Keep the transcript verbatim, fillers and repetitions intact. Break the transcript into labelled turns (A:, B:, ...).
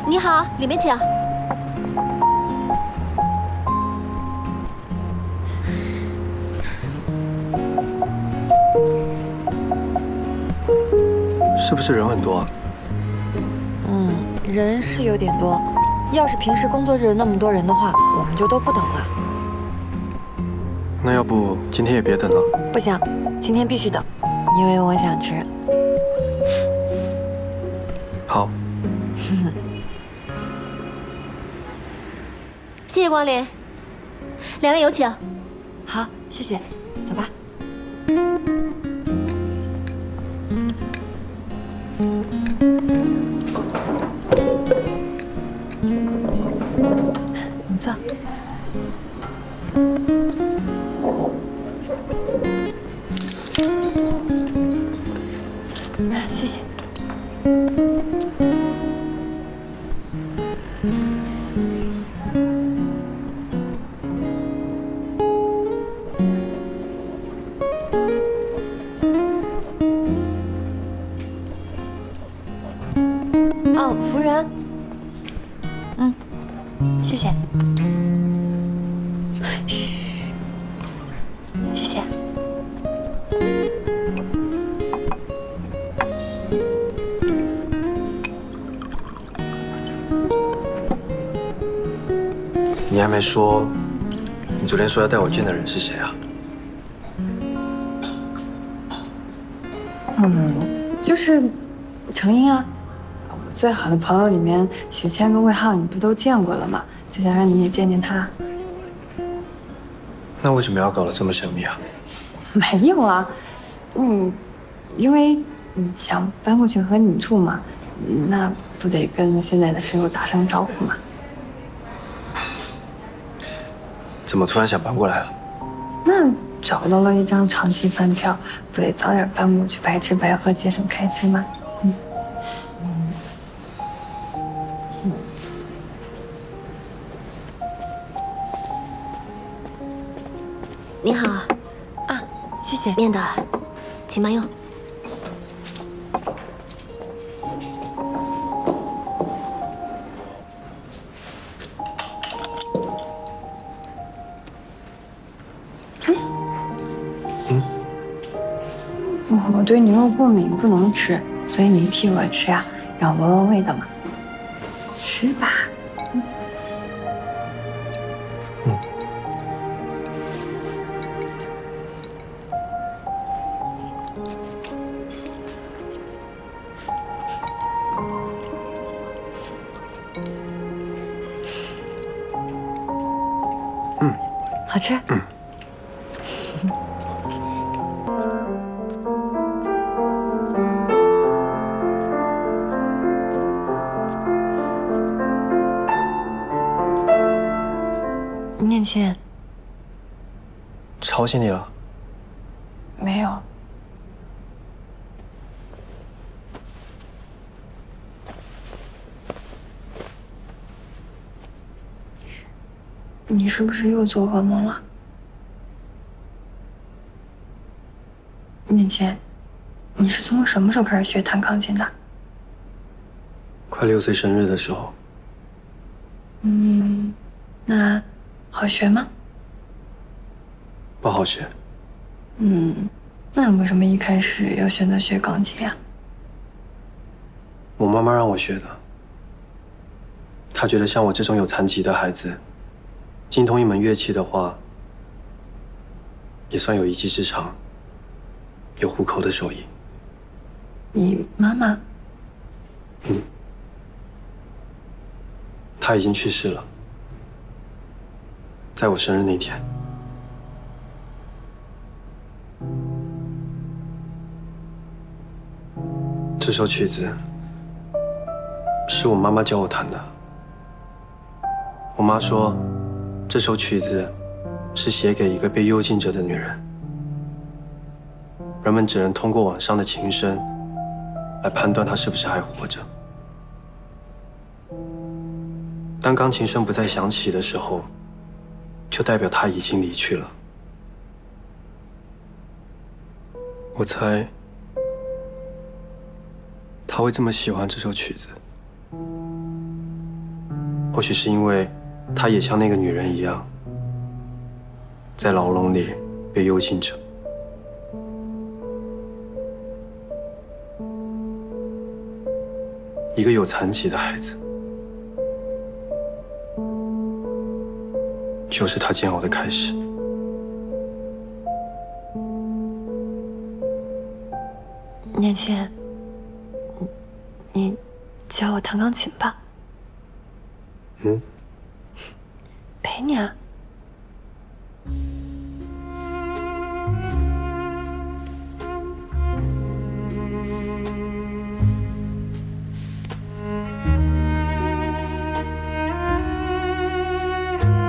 A: 你好，里面请。
B: 是不是人很多啊？
C: 嗯，人是有点多。要是平时工作日那么多人的话，我们就都不等了。
B: 那要不今天也别等了？
C: 不行，今天必须等，因为我想吃。
B: 好。
A: 谢谢光临，两位有请。
C: 好，谢谢，走吧。你坐。谢谢。哦，服务员。嗯，谢谢。嘘，谢谢。
B: 你还没说，你昨天说要带我见的人是谁啊？
D: 嗯，就是程英啊。我最好的朋友里面，许谦跟魏浩你不都见过了吗？就想让你也见见他。
B: 那为什么要搞得这么神秘啊？
D: 没有啊，嗯，因为你想搬过去和你住嘛，那不得跟现在的室友打声招呼嘛。
B: 怎么突然想搬过来了？
D: 那找到了一张长期饭票，不得早点搬过去，白吃白喝，节省开支吗？嗯。
A: 你好，
C: 啊，谢谢。
A: 面的，请慢用。
B: 嗯。
D: 我对牛肉过敏，不能吃，所以你替我吃啊，让我闻闻味道嘛。吃吧。嗯。
B: 嗯。嗯，
C: 好吃。
B: 嗯。
C: 念倩，
B: 吵醒你了？
D: 没有。你是不是又做噩梦了？念倩，你是从什么时候开始学弹钢琴的？
B: 快六岁生日的时候。
D: 嗯，那好学吗？
B: 不好学。
D: 嗯，那你为什么一开始要选择学钢琴呀？
B: 我妈妈让我学的。她觉得像我这种有残疾的孩子，精通一门乐器的话，也算有一技之长，有糊口的手艺。
D: 你妈妈？
B: 嗯。她已经去世了，在我生日那天。这首曲子是我妈妈教我弹的。我妈说，这首曲子是写给一个被幽禁着的女人，人们只能通过网上的琴声来判断她是不是还活着。当钢琴声不再响起的时候，就代表她已经离去了。我猜，她会这么喜欢这首曲子， 或许是因为他也像那个女人一样，在牢笼里被幽禁着。一个有残疾的孩子，就是他煎熬的开始。
D: 年轻，你教我弹钢琴吧。
B: 嗯，
D: 陪你啊。